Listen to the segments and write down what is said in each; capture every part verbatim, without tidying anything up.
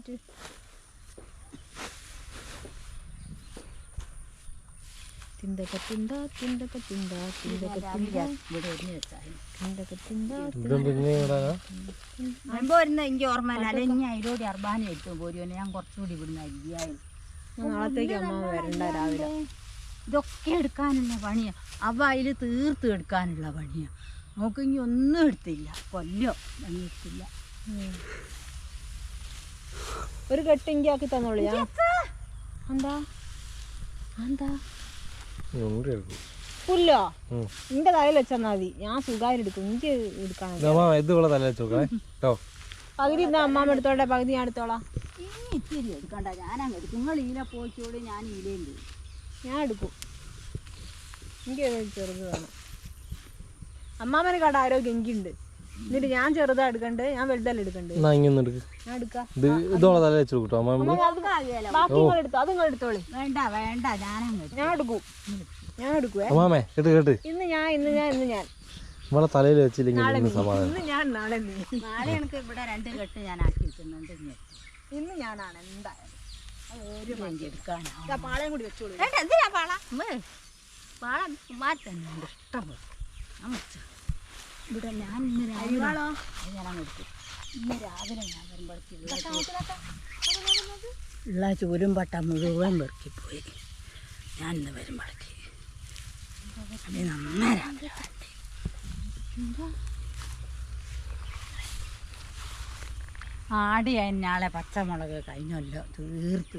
Minute. തിന്തക തിന്ത തിന്തക തിന്ത തിന്തക തിന്ത ഇവിടെ ഒരുങ്ങി വെച്ചാൽ തിന്തക തിന്ത വരുമ്പോ വരുന്ന എനിക്ക് ഓർമ്മയില്ല. അല്ലെ ഇനി അതിലൂടെ അർബാന എത്തും പോരുവനെ ഞാൻ കുറച്ചുകൂടി ഇവിടുന്ന് അരിയായി. നാളത്തേക്ക് അമ്മ വരണ്ട രാവിലെ. ഇതൊക്കെ എടുക്കാനുള്ള പണിയാ. അവ അതിൽ തീർത്ത് എടുക്കാനുള്ള പണിയാ. നമുക്ക് ഇനി ഒന്നും എടുത്തില്ല. കൊല്ലോ ഒന്നും എടുത്തില്ല. ഒരു കെട്ടിങ്കി ആക്കി തന്നോളൂ. എന്താ എന്താ പുല്ലോ നിന്റെ തലയിൽ വെച്ചാൽ മതി. ഞാൻ സുഖമായിട്ട് എടുക്കും. എനിക്ക് എടുക്കാൻ പകുതി ഇന്ന് അമ്മാമ്മ എടുത്തോട്ടെ, പകുതി ഞാൻ എടുത്തോളാം. ഇനി ഇത്തിരി എടുക്കണ്ട, ഞാനങ്ങ് എടുക്കും. നിങ്ങൾ ഈല പോയിച്ചോളി, ഞാൻ ഈലയും ചെയ്യും. ഞാൻ എടുക്കും. എനിക്ക് ചെറുത് വേണം. അമ്മാമ്മനെ കട ആരോഗ്യം എനിക്കുണ്ട്. എന്നിട്ട് ഞാൻ ചെറുതാ എടുക്കണ്ട്, ഞാൻ വലുതല്ല എടുക്കണ്ട്. ഞാൻ എടുക്കാം. ബാക്കി നിങ്ങൾ എടുത്തോ, അത് നിങ്ങൾ എടുത്തോളി. വേണ്ട വേണ്ട, ഞാനങ്ങ് ഞാൻ എടുക്കും. ഞാൻ എടുക്കുവേ. ഇന്ന് ഞാൻ ഇന്ന് ഞാൻ ഇന്ന് ഞാൻ തലയിൽ വെച്ചില്ലെങ്കിൽ ഇന്ന് ഞാൻ നാളെ നാളെ എനിക്ക് ഇവിടെ രണ്ട് കെട്ട് ഞാൻ ആക്കി വെക്കുന്നുണ്ട്. ഇന്ന് ഞാനാണ് എന്തായാലും ഒരു മഞ്ചി എടുക്കാനാ. പാളയും കൂടി വെച്ചോളൂ. വേണ്ട, എന്തിനാ പാള? പാള മാറ്റുന്നുണ്ട് ഇഷ്ടം പോലെ. ഇവിടെ ഞാൻ ഇന്ന് രാവിലെ ഞാനങ്ങ് എടുക്കും. ഇന്ന് രാവിലെ ഞാൻ വരുമ്പോഴേക്ക് ഉള്ള ചൂരും പട്ട മുഴുവൻ പെറുക്കിപ്പോയി. ഞാൻ ഇന്ന് വരുമ്പോഴേക്ക് അത് നന്നായി ആടി അതിനാളെ പച്ചമുളക് കഴിഞ്ഞല്ലോ തീർത്ത്.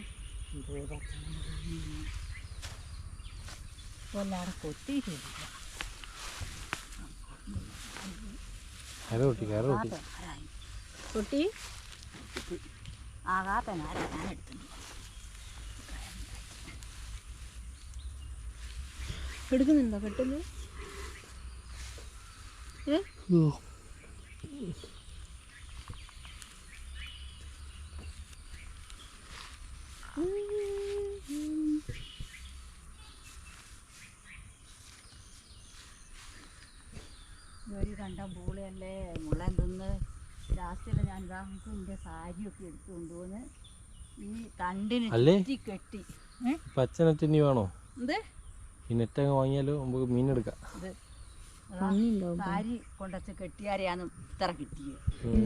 കൊല്ലാടെ കൊത്തിയിട്ടില്ല. കൊട്ടി ആകാത്ത നാര ഞാൻ എടുത്തു. എടുക്കുന്നുണ്ടോ പെട്ടെന്ന്? ഒരു കണ്ട പൂളയല്ലേ മുള്ളൻ തിന്ന്. ലാസ്റ്റിൽ ഞാൻ ഇതാ നമുക്ക് എൻ്റെ സാരിയൊക്കെ എടുത്തു കൊണ്ടുപോന്ന് ഈ തണ്ടിന് ചുറ്റി കെട്ടി. പച്ചനെറ്റ് വേണോ? എന്ത് ഈ നെറ്റങ്ങ് വാങ്ങിയാലോ നമുക്ക് മീനെടുക്കാം. സാരി കൊണ്ടച്ച് കെട്ടിയാരെയാണ് ഇത്ര കിട്ടിയത്.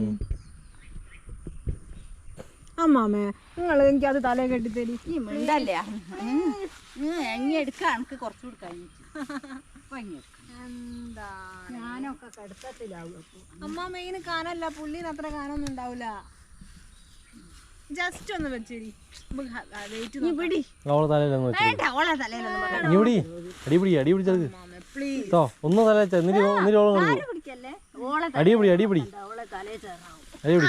അമ്മാമേ നിങ്ങൾ എനിക്ക് അത് തലേ കെട്ടിത്തരി. ഈ മിണ്ടല്ലേ എങ്ങി എടുക്കാം. എനിക്ക് കുറച്ചുകൂടി കഴിഞ്ഞിട്ട് എന്താ ഞാനൊക്കെ കടുത്തത്തിലാവും. അപ്പൊ അമ്മ മെയിന് കാനല്ല, പുള്ളിന് അത്ര കാനൊന്നും ഉണ്ടാവില്ല. ജസ്റ്റ് ഒന്ന് വെച്ചേരി. ഒന്ന് തല അടിപിടി അടിപിടി അടിപിടി.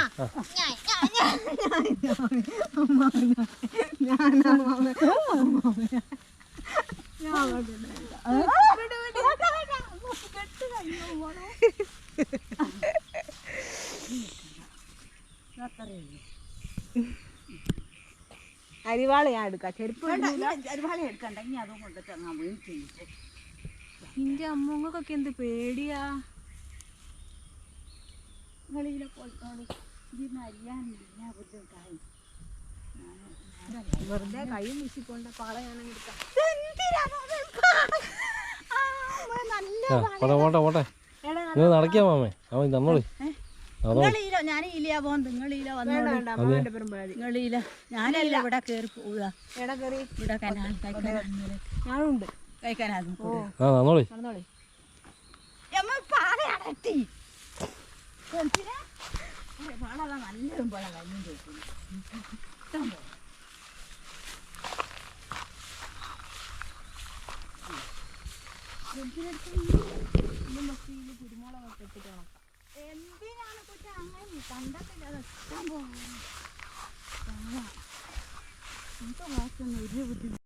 അരിവാള ഞാൻ എടുക്കാം. ചെരുപ്പ് അരിവാള എടുക്കണ്ട. ഇനി അതും കൊണ്ടിട്ട് അങ്ങ് വീണിട്ട് നിന്റെ അമ്മങ്ങൾക്കൊക്കെ എന്ത് പേടിയാ. കളിയിലെ പോയിക്കോളി. ഇതിന്ന് അറിയാനില്ല ബുദ്ധിമുട്ടായി. വെറുതെ കൈ വീശിക്കൊണ്ട പാള ഞാൻ എടുക്കാം. നടക്കിയാ മാമേ അവൻ തന്നോളി. ഞാൻ ഇല്ല പോകുന്നത്. നിങ്ങളില്ല വന്നോളില്ല. ഞാനല്ല ഇവിടെ കയറി പോവുക. എവിടെ കയറി ഇവിടെ കനാൽ ഞാനുണ്ട് കഴിക്കാനാകും. നടന്നോളി. പാളയാണെത്തി പാള നല്ലതും പോലെ കഴിഞ്ഞു ചോദിക്കുന്നു. ഇഷ്ടം പോലെ കുരുമുളകൊക്കെ ഇട്ടിട്ട് എന്തിനാണ് കുറ്റ അങ്ങനെ കണ്ടത്തില്ല. ഇഷ്ടം പോലെ ഒരു ബുദ്ധിമുട്ട്.